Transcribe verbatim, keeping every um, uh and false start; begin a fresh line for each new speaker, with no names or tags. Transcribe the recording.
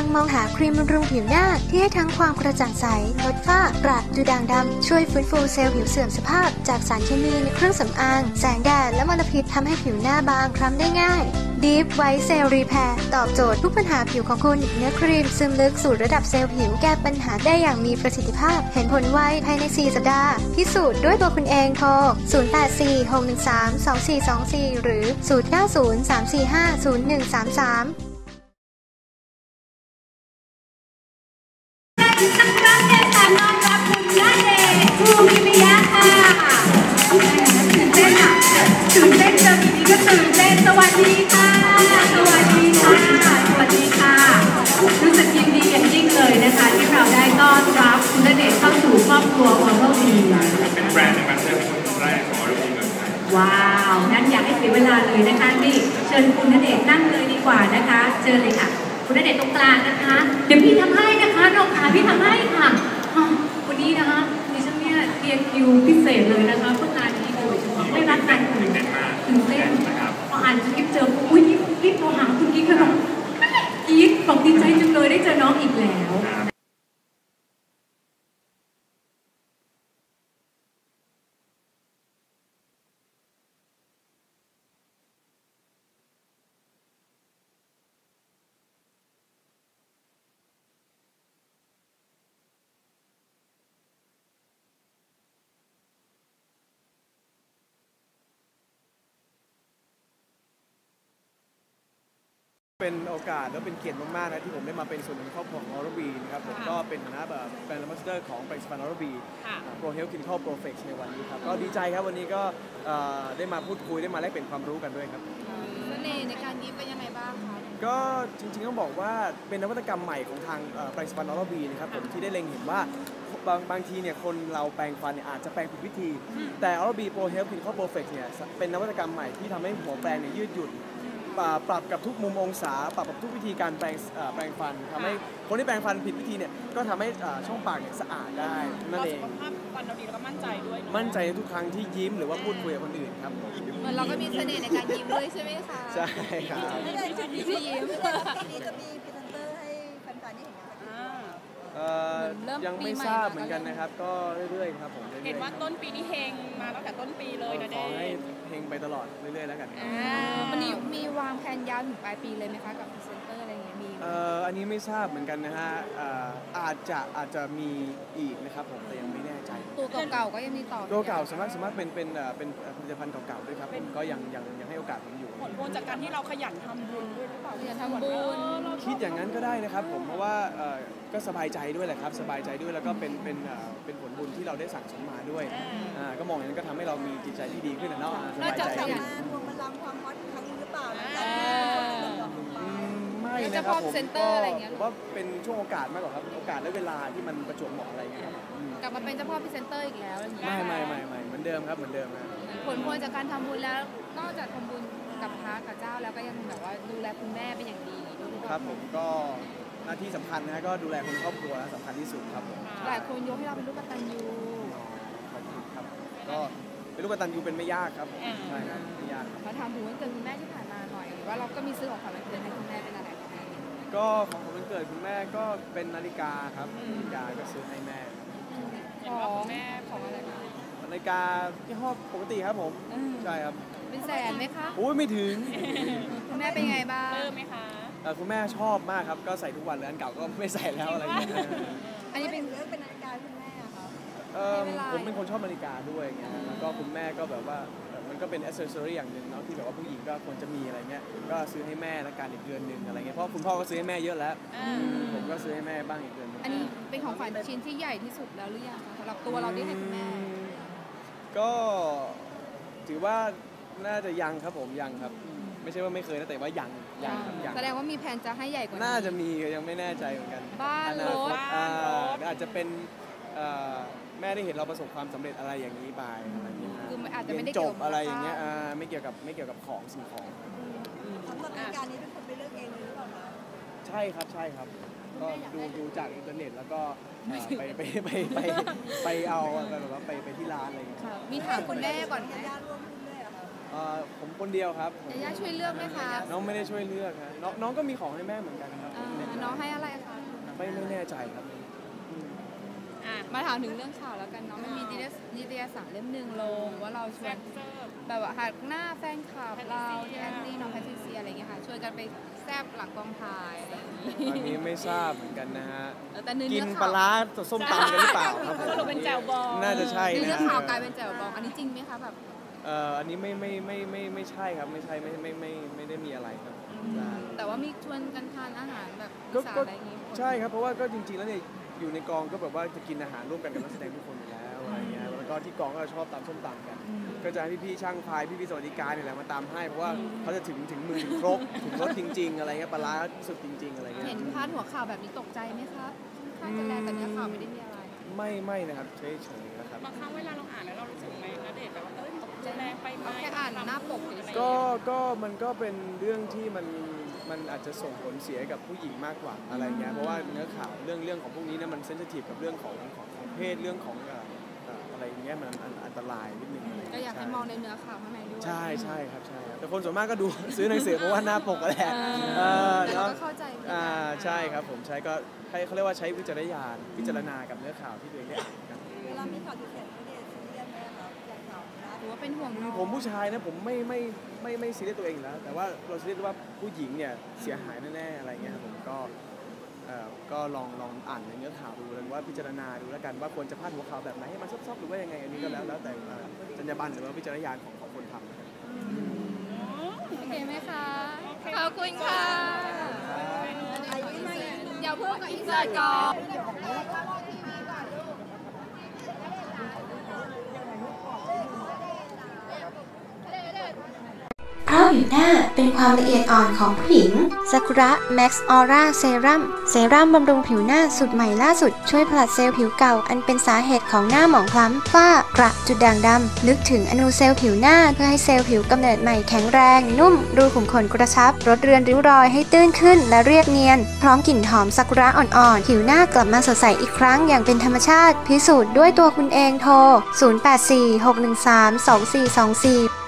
งมองหาครีมบำรุงผิวหน้าที่ให้ทั้งความกระจ่างใสลดฝ้ากระดูด่างดำช่วยฟื้นฟูเซลล์ผิวเสื่อมสภาพจากสารเคมีในเครื่องสำอางแสงแดดและมลพิษทำให้ผิวหน้าบางคล้ำได้ง่าย Deep White Cell Repair ตอบโจทย์ทุกปัญหาผิวของคุณเนื้อครีมซึมลึกสู่ระดับเซลล์ผิวแก้ปัญหาได้อย่างมีประสิทธิภาพเห็นผลไวภายในสี่สัปดาห์พิสูจน์ด้วยตัวคุณเองโทรศูนย์ แปด สี่ หก หนึ่ง สาม สอง สี่ สอง สี่หรือศูนย์ เก้า ศูนย์ สาม สี่ ห้า ศูนย์ หนึ่ง สาม สาม
ตั้งรับเดชสามน้องรับคุณณเดชน์คูกิมิยะค่ะตื่นเต้นอ่ะตื่นเต้นเจอพี่ก็ตื่นเต้นสวัสดีค่ะสวัสดีค่ะสวัสดีค่ะรู้สึกยินดีอย่างยิ่งเลยนะคะที่เราได้ต้อนรับคุณณเดชน์เข้าสู่ครอบครัวออร์โรบี
เป็นแบรนด์ในประเทศคนแรกของออร์โรบีเมืองไทย
ว้าวงั้นอยากให้เสียเวลาเลยนะคะนี่เชิญคุณณเดชน์นั่งเลยดีกว่านะคะเชิญเลยค่ะคุณณเดชน์ตรงกลางนะคะเดี๋ยวพี่ทำให้นะคะน้องขาพี่ทำให้ค่ะวันนี้นะคะดิฉันเนี่ยเรียนคิวพิเศษเลยนะคะเพื่องานนี้โดยเฉพาะไม่รับงานอื่นตื่นเต้นพออ่านสคริปต์เจออุ้ยรีบโทรหาคุณกิ๊กค่ะบอกกิ๊กบอกดีใจจังเลยได้เจอน้องอีกแล้ว
เป็นโอกาสและเป็นเกียรติมากๆนะที่ผมได้มาเป็นส่วนหนึ่งครอบครัวของออร์โรบีนะครับผมก็เป็นฐานะแบบแบรนด์แอมบาสเดอร์ของแบรนด์สปานออร์โรบีโปรเฮลท์คลินิคอลโปรเฟกซ์ในวันนี้ครับก็ดีใจครับวันนี้ก็ได้มาพูดคุยได้มาแลกเปลี่ยนความรู้กันด้วยครับ
เสน่ห์ในการยิ้มเป็นยังไงบ้างคะ
ก็จริงๆต้องบอกว่าเป็นนวัตกรรมใหม่ของทางแบรนด์สปานออร์โรบีนะครับผมที่ได้เล็งเห็นว่าบางบางทีเนี่ยคนเราแปรงฟันเนี่ยอาจจะแปรงผิดวิธีแต่ออร์โรบีโปรเฮลท์คลินิคอลโปรเฟกซ์เนี่ยเป็นนวัตกรรมใหม่ที่ทำให้หัวแปรงเนี่ยยืดหยุ่นปรับกับทุกมุมองศาปรับกับทุกวิธีการแปรงแปรงฟันทำให้คนที่แปรงฟันผิดวิธีเนี่ยก็ทำให้ช่องปากเนี่ยสะอาดได้นั่นเอง
สุขภาพฟันเราดีแล้วก็มั่นใจด้วย
มั่นใจในทุกครั้งที่ยิ้มหรือว่าพูดคุยกับคนอื่นครับ
เหมือนเราก็มีเสน่ห์ในการยิ้มด้วยใช่ไหมคะ
ใช่ครับ
ที่ยิ้ม
ทีนี้จะมีพรีเซนเตอร์ให้แฟนๆได้เห็น
กันยังไม่ทราบเหมือนกันนะครับก็เรื่อยๆครับผม
เห็นว่าต้นปีนี้เฮงมาตั้งแต่ต้นปีเลยนะเด็ก
ขอให้เฮงไปตลอดเรื่อยๆแล้วกัน
วันนี้มีวางแผนยาวถึงปลายปีเลยไหมคะกับพรีเซนเตอร์อะไรอย่างเงี้ยมี
อันนี้ไม่ทราบเหมือนกันนะฮะอาจจะอาจจะมีอีกนะครับผมแต่ยังไม่แน่ใจ
ตัวเก่าๆก็ยังมีต่อ
ตัวเก่าสามารถสามารถเป็นเป็นเป็นผลิตภัณฑ์เก่าๆด้วยครับก็ยังยังยังให้โอกาสผมอยู่
ผลพวงจากการที่เราขยันทำบุญด้วยหรือเปล่าขยันทำบุญ
คิดอย่างนั้นก็ได้นะครับผมเพราะว่าก็สบายใจด้วยแหละครับสบายใจด้วยแล้วก็เป็นเป็นเป็นผลบุญที่เราได้สั่งสมมาด้วยก็มองอย่างนั้นก็ทำให้เรามีจิตใจที่ดีขึ้นนะเนาะสบายใจ
ขึ้นรวมพลังความฮอตครั้งนี้หรือเปล่า
ไม่นะครับผมก็ผมว่าเป็นช่วงโอกาสมากกว่าครับโอกาสและเวลาที่มันประจวบเหมาะอะไรเงี้ย
กลับมาเป็นเจ้าพ่อพรีเซนเตอร์อีกแล้วอย่างเงี้ยไม่
ไม่ไม่ไม่เหมือนเดิมครับเหมือนเดิมนะ
ผลพวงจากการทำบุญแล้วนอกจากทำบุญกับพระกับเจ้าแล้วก็ยังแบบว่าดูแลคุณแม่เป็นอย่างดีด้วย
ครับผมก็หน้าที่สำคัญนะก็ดูแลคนครอบครัวสำคัญที่สุดครับผม
หลายคนยกให้เราเป็นลูกกตัญญู
ขอบคุณครับก็เป็นลูกกตัญญูเป็นไม่ยากครับใช่ครับไม่ยาก
มาถามถึงวันเกิดคุณแม่ที่ผ่านมาหน่อยหรือว่าเราก็มีซื้อของขวัญวันเกิดให้คุณแม่เป็นอะไรคะ
ก็ของขวัญวันเกิดคุณแม่ก็เป็นนาฬิกาครับนาฬิกาก็ซื้อให้แม่
ของแม่ของอะไรคะ
นาฬิกาที่ห้อปกติครับผมใช่ครับ
เป็นแสนไหมคะ
โอ้ยไม่ถึง
คุณแม่เป็นไงบ้างเพิ่มไหมคะ
คุณแม่ชอบมากครับก็ใส่ทุกวันเลยอันเก่าก็ไม่ใส่แล้วอะไรอย่างเงี้ย
อันนี้เป็นเรื่องเป็นนาฬิกาคุณแม่ครับ
ผมเป็นคนชอบนาฬิกาด้วยเงี้ยแล้วก็คุณแม่ก็แบบว่ามันก็เป็นแอคเซสซอรี่อย่างหนึ่งเนาะที่แบบว่าผู้หญิงก็ควรจะมีอะไรเงี้ยก็ซื้อให้แม่ละกันอีกเดือนหนึ่งอะไรเงี้ยเพราะคุณพ่อก็ซื้อให้แม่เยอะแล้วผมก็ซื้อให้แม่บ้างอีกเดือนนึง
อันนี้เป็นของขวัญชิ้นที่ใหญ่ที่สุดแล้วหรือยังสำหรับตัวเราที่ให้คุณแม่
ก็ถือว่าน่าจะยังครับผมยังครับไม่ใช่ว่าไม่เคยนะแต่ว่ายังยังครับยัง
แสดงว่ามีแผนจะให้ใหญ่กว่า
น่าจะมียังไม่แน่ใจเหมือนกัน
บ้านรถ
อาจจะเป็นแม่ได้เห็นเราประสบความสำเร็จอะไรอย่างนี้ไปอะไรอย่างเงี้ย
คืออาจจะไม่ได้
จบอะไรอย่างเงี้ยไม่เกี่ยวกับไม่เกี่ยวกับของสิ่งของ
สำหรับการนี้เป็นคนไปเลือกเองเลยหรือเปล่าคะ
ใช่ครับใช่ครับก็ดูดูจากอินเทอร์เน็ตแล้วก็ไปไปไปไปไปเอาแบบว่าไปไปที่ร้านอะไรอย่างเงี้ย
มีถามคุณแม่ก่อน
ญาติร่วมหุ้นด้วยเหรอคะ
เอ่อผมคนเดียวครับผม
ยาย่าช่วยเลือกไหมคะ
น้องไม่ได้ช่วยเลือกฮะน้องน้องก็มีของให้แม่เหมือนกันครับ
เอ่อน้องให้อะไรคะ
ไม่ไม่แน่ใจครับ
อ่ะมาถามถึงเรื่องข่าวแล้วกันเนาะมันมีนิตยนิตยสารเล่มหนึ่งลงว่าเราชวนแบบว่าหักหน้าแฟนคลับเราที่แอนตี้น้องแพทริเซียอะไรเงี้ยค่ะชวนกันไปแซบหลังกองถ่ายอะไรอย่างงี้
อันนี้ไม่ทราบเหมือนกันนะฮะ
เออแต่เนื้อ
กิน
เนื้อ
ปลา
ข่าว
ร้าส้มตำกันหรือเปล่าครับผม
สรุปเป็นแจ่วบอง
น่าจะใช่
เนื้
นะ
อข่าวกลายเป็นแจ่วบองอันนี้จริงไหมคะแบบ
เอ่ออันนี้ไม่ไม่ไม่ไม่ไม่ใช่ครับไม่ใช่ไม่ไม่ไม่ไม่ได้มีอะไรครับใช่
แต่ว่ามีชวนกันทานอาหารแบบ
ก็
อีสาน
ก็
อะไรอย่างงี้
ใช่ครับเพราะว่าก็จริงๆแล้วเนี่ยอยู่ในกองก็แบบว่าจะกินอาหารร่วมกันกับนักแสดงทุกคนอยู่แล้วอะไรเงี้ยแล้วก็ที่กองก็ชอบตำส้มตำกัน ก็จะให้พี่ๆช่างพายพี่ๆสวัสดิการเนี่ยแหละมาตามให้เพราะว่าเขาจะถึงถึงมือถึงครบถึงรสจริง ๆ อะไรเงี้ยปลาร้าสุดจริง ๆ อะไรเงี้ย
เห็นพาดหัวข่าวแบบนี้ตกใจไหมครับค่อนข้างจะแรงแต่เนื้อข่าวไม่ได้มีอะไร
ไม่ไม่นะครับเฉยๆนะครับ
บางครั้งเวลาเราอ่านแล้วเรารู้สึกไหมณเดชน์แบบว่าเอ้ยจะแรงไปไหม
เอาแค่อ่านหน้าปกเฉยๆ
ก็ก็มันก็เป็นเรื่องที่มันมันอาจจะส่งผลเสียกับผู้หญิงมากกว่าอะไรเงี้ยเพราะว่าเนื้อข่าวเรื่องเรื่องของพวกนี้เนี่ยมันเซนซิทีฟกับเรื่องของของของเพศเรื่องของเอ่อเอ่ออะไรเงี้ยมันอันอันตรายนิดนึงอะไร
ก็
เงี้ย
อยากให้มองในเนื้อข่าวข้างในด้วย
ใช่ใช่ครับใช่ครับแต่คนส่วนมากก็ดู ซื้อหนังสือเพราะว่าหน้าปกก็แหละ
เออ
เออ
แต่เรา
เนาะ
ก็เข้าใจเหมือนกัน
อ่าใช่ครับผมใช้ก็ให้เขาเรียกว่าใช้วิจารณญาณพิจารณากับเนื้อข่าวที่ตัวเองได้อ่านกัน
เวลามีข่าวที่เขียนณเดชน์ซีเรียสไหมครับอย่างข่าวนะ
หรือว่าเป็นห่วงน้อง
ผมผู้ชายนะผมไม่ไม่ไม่ไม่ซีเรียสตัวเองอยู่แล้ว แต่ว่าเราซีเรียสว่าผู้หญิงเนี่ยเสียหายแน่ๆอะไรเงี้ยครับผมก็เอ่อก็ลองลองอ่านในเนื้อข่าวดูแล้วว่าพิจารณาดูแล้วกันว่าควรจะพาดหัวข่าวแบบไหนให้มันซอบๆหรือว่ายังไงอันนี้ก็แล้วแล้วแต่เอ่อจรรยาบรรณหรือว่าวิจารณญาณของของคนทำนะครับ
โอเคไหมคะ ขอบคุณค่ะ เดี๋ยวพูดกับอินเสิร์ตก่อน
เพราะผิวหน้าเป็นความละเอียดอ่อนของผู้หญิงซากุระแม็กซ์ออร่าเซรั่มเซรั่มบำรุงผิวหน้าสุดใหม่ล่าสุดช่วยผลัดเซลล์ผิวเก่าอันเป็นสาเหตุของหน้าหมองคล้ำฝ้ากระจุดด่างดำลึกถึงอนูเซลล์ผิวหน้าเพื่อให้เซลล์ผิวกำเนิดใหม่แข็งแรงนุ่มรูขุมขนกระชับลดเรือนริ้วรอยให้ตื้นขึ้นและเรียบเนียนพร้อมกลิ่นหอมซากุระอ่อนๆผิวหน้ากลับมาสดใสอีกครั้งอย่างเป็นธรรมชาติพิสูจน์ด้วยตัวคุณเองโทรศูนย์ แปด สี่ หก หนึ่ง สาม สอง สี่ สอง สี่